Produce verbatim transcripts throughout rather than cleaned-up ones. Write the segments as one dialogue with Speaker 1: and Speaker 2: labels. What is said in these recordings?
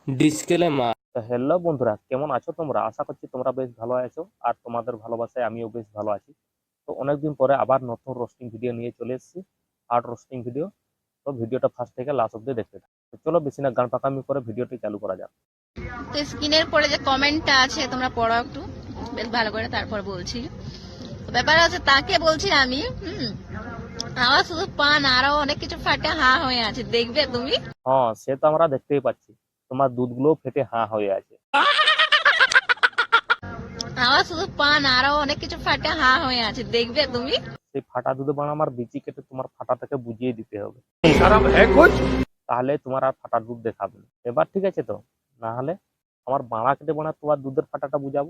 Speaker 1: Disclaimer.
Speaker 2: তো hello বন্ধুরা, কেমন আছো তোমরা? আশা করছি তোমরা বেশ ভালো আছো, আর তোমাদের ভালোবাসায় আমিও বেশ ভালো আছি। তো অনেকদিন পরে আবার নতুন রোস্টিং ভিডিও নিয়ে চলে এসেছি, আর্ট রোস্টিং ভিডিও। তো ভিডিওটা ফার্স্ট থেকে লাস্ট অব্দি দেখতে থাকো। তো চলো বেশি না গান পাকামি করে ভিডিওটি চালু করা যাক।
Speaker 3: তো স্ক্রিনের পরে যে কমেন্টটা আছে তোমরা পড়ো একটু বেশ ভালো করে, তারপর বলছি। ব্যাপার আছে তাকে বলছি আমি, হুম, আমার শুধু পান আরো অনেক কিছু ফাটে হা হয়ে আছে, দেখবে তুমি।
Speaker 2: হ্যাঁ, সে তো আমরা দেখতেই পাচ্ছি, তোমার দুধগুলো ফেটে হাঁ হয়ে আছে।
Speaker 3: আমার শুধু পান আরো অনেক কিছু ফাটে হা হয়ে আছে, দেখবে তুমি।
Speaker 2: সেই ফাটা দুধে বানা আমার বিচি কেটে তোমার ফাটাটাকে বুঝিয়ে দিতে হবে, তাহলে তোমার আর ফাটা দুধ দেখাবে না। এবার ঠিক আছে তো? না হলে আমার বাড়া কেটে বানা তোমার দুধের ফাটাটা বুঝাবো,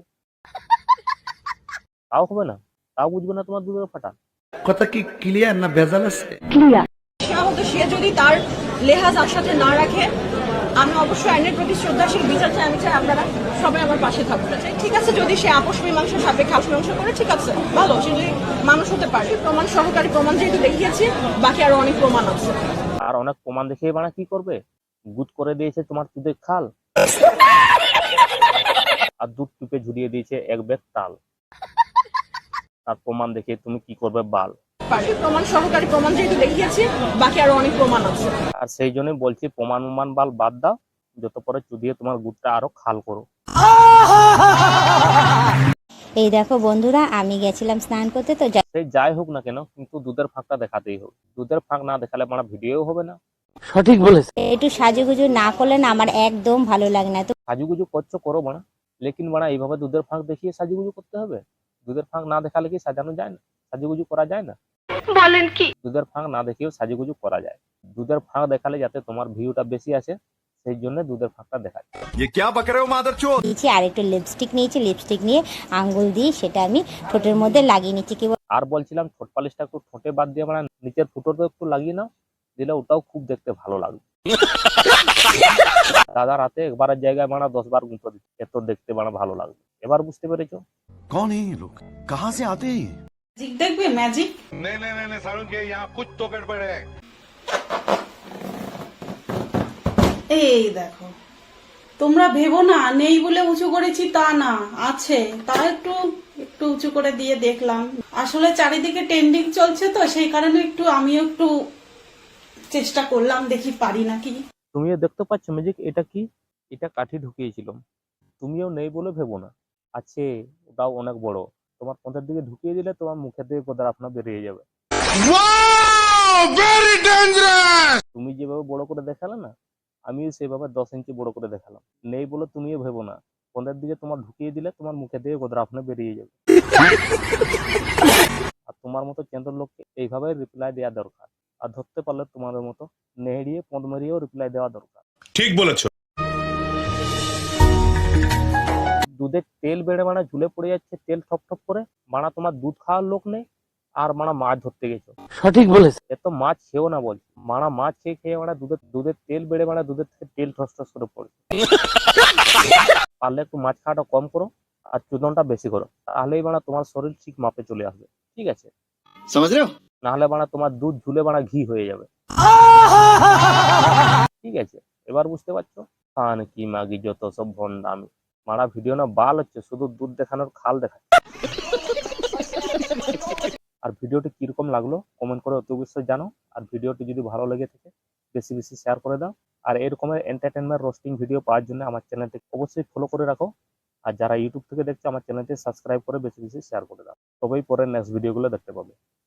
Speaker 2: তাও হবে না, তাও বুঝবে না তোমার দুধের ফাটা।
Speaker 4: কথা কি ক্লিয়ার না ভেজাল আছে?
Speaker 5: সাধারণত সে যদি তার লেহাজ আর সাথে না রাখে, আমি অবশ্যই আইনের প্রতি শ্রদ্ধাশীল, বিচার চাই, আমি চাই আপনারা সবাই আমার পাশে থাকতে চাই। ঠিক আছে, যদি সে আপোষ মীমাংসা সাপেক্ষে আপোষ মীমাংসা করে, ঠিক আছে, ভালো, সে যদি মানুষ হতে পারে। প্রমাণ সহকারী প্রমাণ যেহেতু দেখিয়েছি, বাকি আরো অনেক প্রমাণ আছে।
Speaker 2: আর অনেক প্রমাণ দেখিয়ে বানা কি করবে? গুদ করে দিয়েছে তোমার দুধের খাল, আর দুধ টিপে ঝুরিয়ে দিয়েছে এক ব্যাগ তাল। আর প্রমাণ দেখিয়ে তুমি কি করবে? বাল।
Speaker 5: পারে প্রমাণ সহকারী প্রমাণ যেহেতু দেখিয়েছি, বাকি আরো অনেক প্রমাণ আছে।
Speaker 2: আর সেই জন্যই বলছি, প্রমাণ উমান বাল বাদ দাও, যত পরে চুদিয়ে তোমার গুড়টা আরো খাল করো।
Speaker 6: এই দেখো বন্ধুরা, আমি গেছিলাম স্নান করতে, তো যা-
Speaker 2: সেই যাই হোক না কেন, কিন্তু দুধের ফাঁকটা দেখাতেই হবে। দুধের ফাঁক না দেখালে মানে ভিডিও হবে না।
Speaker 1: সঠিক বলেছে।
Speaker 6: একটু সাজুগুজু না করলে না আমার একদম ভালো লাগে না। তো
Speaker 2: সাজুগুজু করছো করো বানা, লেকিন বানা এইভাবে দুধের ফাঁক দেখিয়ে সাজুগুজু করতে হবে? দুধের ফাঁক না দেখালে কি সাজানো যায় না? সাজুগুজু করা যায় না?
Speaker 3: বলেন কি?
Speaker 2: দুধের ফাঁক না দেখিয়েও সাজুগুজু করা যায়। দুধের ফাঁক দেখালে যাতে তোমার ভিউটা বেশি আসে, সেই জন্য দুধের ফাঁকটা দেখায়।
Speaker 4: ये क्या बक रहे हो मादरचोद?
Speaker 6: দিয়েছি আর একটু লিপস্টিক নিয়েছি, লিপস্টিক নিয়ে আঙ্গুল দিয়ে সেটা আমি ঠোঁটের মধ্যে লাগিয়ে নিচ্ছি। কি বল-
Speaker 2: আর বলছিলাম, ঠোঁট পালিশটা একটু ঠোঁটে বাদ দিয়ে মানে নিচের ফুটোতে একটু লাগিয়ে নাও, দিলে ওটাও খুব দেখতে ভালো লাগবে। দাদা রাতে একবারের জায়গায় মানা দশ বার গুঁতো দিচ্ছে, এত দেখতে মানা ভালো লাগবে। এবার বুঝতে পেরেছো?
Speaker 4: कौन है ये लोग? कहाँ से आते हैं?
Speaker 5: ম্যাজিক দেখবে, ম্যাজিক।
Speaker 7: नहीं नहीं नहीं नहीं सारुण के यहाँ कुछ तो गड़बड़ है।
Speaker 8: এই দেখো, তোমরা ভেবো না নেই বলে উঁচু করেছি, তা না, আছে, তা একটু একটু উঁচু করে দিয়ে দেখলাম। আসলে চারিদিকে ট্রেন্ডিং চলছে, তো সেই কারণে একটু আমিও একটু চেষ্টা করলাম, দেখি পারি নাকি।
Speaker 2: তুমিও দেখতে পাচ্ছ ম্যাজিক? এটা কি? এটা কাঠি ঢুকিয়েছিলাম, তুমিও নেই বলে ভেবো না, আছে। ওটাও অনেক বড়। তোমার পথের দিকে ঢুকিয়ে দিলে তোমার মুখে থেকে কোদার আপনার বেরিয়ে যাবে। তুমি যেভাবে বড় করে দেখালে না, আমিও সেভাবে দশ ইঞ্চি বড় করে দেখালাম। নেই বলে তুমিও ভেবো না, পথের দিকে তোমার ঢুকিয়ে দিলে তোমার মুখে থেকে কোদার আপনার বেরিয়ে যাবে। আর তোমার মতো কেন্দ্র লোককে এইভাবে রিপ্লাই দেওয়া দরকার। আর ধরতে পারলে তোমাদের মতো নেড়িয়ে পদ মেরিয়েও রিপ্লাই দেওয়া দরকার।
Speaker 7: ठीक बोलेছো।
Speaker 2: দুধের তেল বেড়ে মানা ঝুলে পড়ে যাচ্ছে, তেল ঠপ ঠপ করে। মানা তোমার দুধ খাওয়ার লোক নেই, আর মানা মাছ ধরতে গেছো।
Speaker 1: সঠিক বলেছে।
Speaker 2: এত মাছ খেয়েও না বলছি, মানা মাছ খেয়ে খেয়ে মানা দুধের দুধের তেল বেড়ে মানা দুধের থেকে তেল ঠস ঠস করে পড়ছে। পারলে একটু মাছ খাওয়াটা কম করো, আর চুদনটা বেশি করো, তাহলেই মানা তোমার শরীর ঠিক মাপে চলে আসবে। ঠিক আছে?
Speaker 4: समझ रहे हो?
Speaker 2: নাহলে মানা তোমার দুধ ঝুলে মানা ঘি হয়ে যাবে। ঠিক আছে? এবার বুঝতে পারছো? খান কি মাগি যত সব ভন্ডামি। মারা ভিডিও না বাল হচ্ছে, শুধু দুধ দেখানোর খাল দেখা। আর ভিডিওটি কিরকম লাগলো কমেন্ট করে অতি অবশ্যই জানো। আর ভিডিওটি যদি ভালো লেগে থাকে বেশি বেশি শেয়ার করে দাও। আর এরকমের এন্টারটেনমেন্ট রোস্টিং ভিডিও পাওয়ার জন্য আমার চ্যানেলটি অবশ্যই ফলো করে রাখো। আর যারা ইউটিউব থেকে দেখছো, আমার চ্যানেলটি সাবস্ক্রাইব করে বেশি বেশি শেয়ার করে দাও। তবেই পরে নেক্সট ভিডিওগুলো দেখতে পাবে।